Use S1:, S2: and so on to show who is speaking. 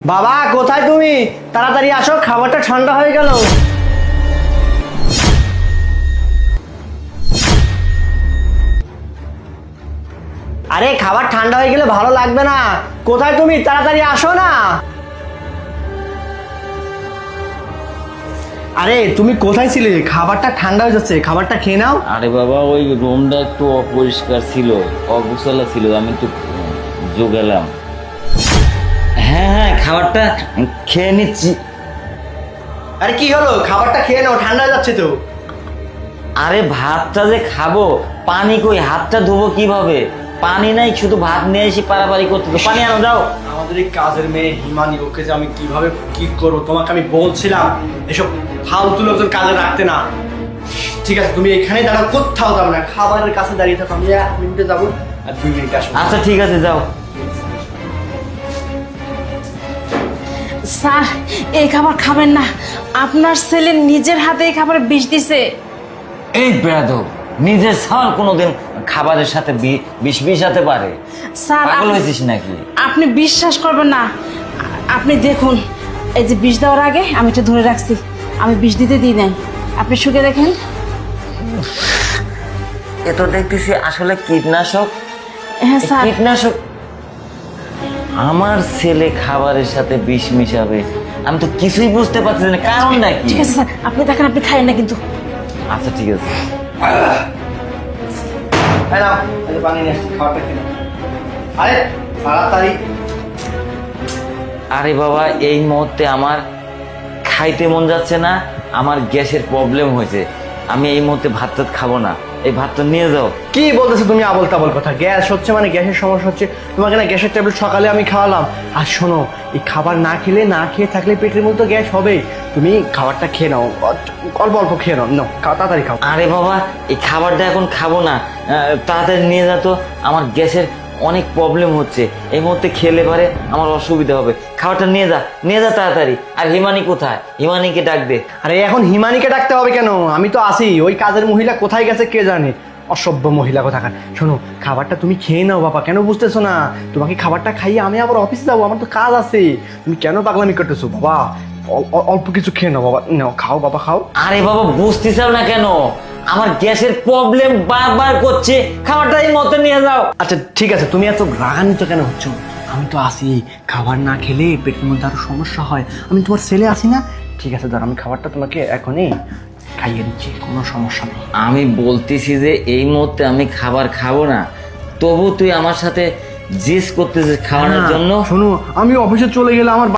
S1: বাবা কোথায় তুমি? তাড়াতাড়ি আসো, খাবারটা ঠান্ডা হয়ে গেল। আরে খাবার ঠান্ডা হয়ে গেলে ভালো লাগবে না। কোথায় তুমি? তাড়াতাড়ি আসো না। আরে তুমি কোথায় ছিলে? খাবারটা ঠান্ডা হয়ে যাচ্ছে, খাবারটা খেয়ে নাও।
S2: আরে বাবা, ওই রুমটা একটু অপরিষ্কার ছিল, অগোছালো ছিল, আমি একটু গেলাম। হ্যাঁ হ্যাঁ, খাবারটা খেয়ে নিচ্ছি।
S1: আরে কি হলো? খাবারটা খেয়ে নাও, ঠান্ডা হয়ে যাচ্ছে তো।
S2: আরে ভাতটা যে খাবো, পানি কই? হাতটা ধোবো কিভাবে? পানি নাই, শুধু ভাত নিয়ে এসে পারাপারি করতে তো। পানি আনো, যাও।
S1: আমাদের এই কাজের মেয়ে হিমানি, ওকে যে আমি কিভাবে কি করবো, তোমাকে আমি বলছিলাম এসব ফালতু লোকজন কাজে রাখতে না। ঠিক আছে, তুমি এখানে দাঁড়াও, কোথাও যাবো না, খাবারের কাছে দাঁড়িয়ে থাকো। আমি 1 মিনিটে যাবো আর 2 মিনিটে আসবো।
S2: আচ্ছা ঠিক আছে, যাও।
S3: স্যার, এই খাবার খাবেন না। আপনার ছেলে নিজের হাতে এই খাবার বিষ দিছে।
S2: এই বেয়াদব, নিজের ছাল কোনোদিন খাবারের সাথে বিষ মিশাতে পারে?
S3: স্যার,
S2: পাগল হয়েছিস নাকি?
S3: আপনি বিশ্বাস করবেন না। আপনি দেখুন, এই যে বিষ দেওয়ার আগে আমি এটা ধরে রাখছি, আমি বিষ দিতে দিই নাই। আপনি শুকে দেখেন।
S2: এ তো দেখতেছি আসলে কীটনাশক।
S3: হ্যাঁ স্যার।
S2: কীটনাশক? আমার ছেলে খাবারের সাথে বিষ মিশাবে? আমি তো কিছুই বুঝতে পারছি না, কারণটা কি?
S3: ঠিক আছে স্যার, আপনি দেখেন, আপনি খাইয়েন না কিন্তু।
S2: আচ্ছা ঠিক আছে।
S1: এই নাও, এই যে পানি নিয়ে আসছি, খাবারটা খেয়ে নাও। আরে তাড়াতাড়ি।
S2: আরে বাবা, এই মুহূর্তে আমার খাইতে মন যাচ্ছে না, আমার গ্যাসের প্রবলেম হয়েছে। আমি এই মুহূর্তে ভাত টাত খাবো না, এই ভাতটা নিয়ে যাও।
S1: কি বলতেছো তুমি আবল তাবল কথা? গ্যাস হচ্ছে মানে গ্যাসের সমস্যা হচ্ছে। তোমাকে না গ্যাসের ট্যাবলেট সকালে আমি খাওয়ালাম। আর শোনো, এই খাবার না খেলে, না খেয়ে থাকলে পেটের মধ্যে গ্যাস হবে। তুমি খাবারটা খেয়ে নাও, অল্প অল্প খেয়ে নাও। নাও, তাড়াতাড়ি খাও।
S2: আরে বাবা, এই খাবারটা এখন খাবো না, তাড়াতাড়ি নিয়ে যা তো, আমার গ্যাসের অনেক প্রবলেম হচ্ছে। এই মুহূর্তে খেলে পারে আমার অসুবিধা হবে। খাবারটা নিয়ে যা, নিয়ে যা তাড়াতাড়ি। আর হিমানি কোথায়? হিমানিকে ডাক দে।
S1: আরে এখন হিমানিকে ডাকতে হবে কেন? আমি তো আসি। ওই কাজের মহিলা কোথায় গেছে কে জানে, অসভ্য মহিলা কোথাকার। শোনো, খাবারটা তুমি খেয়ে নাও বাবা, কেন বুঝতেছো না? তোমাকে খাবারটা খাইয়ে আমি আবার অফিসে যাবো, আমার তো কাজ আছে। তুমি কেন পাগলামি করতেছো বাবা? অল্প কিছু খেয়ে নাও বাবা, নাও খাও বাবা, খাও।
S2: আরে বাবা, বুঝতে চাও না কেন? আমার গ্যাসের প্রবলেম বারবার করছে, খাবারটা এই মতো নিয়ে যাও।
S1: আচ্ছা ঠিক আছে, তুমি এত রাগান্বিত কেন হচ্ছ? আমি তো আসি। খাবার না খেলে পেটের মধ্যে আরো সমস্যা হয়। আমি তোমার ছেলে আসি না? ঠিক আছে দাঁড়া, আমি খাবারটা তোমাকে এখনই খাইয়ে দিচ্ছি, কোনো সমস্যা নেই।
S2: আমি বলতেছি যে এই মুহূর্তে আমি খাবার খাবো না, তবু তুই আমার সাথে জেস করতেছিস খাওয়ানোর জন্য।
S1: শোনো, আমি অফিসে চলে গেলে আমার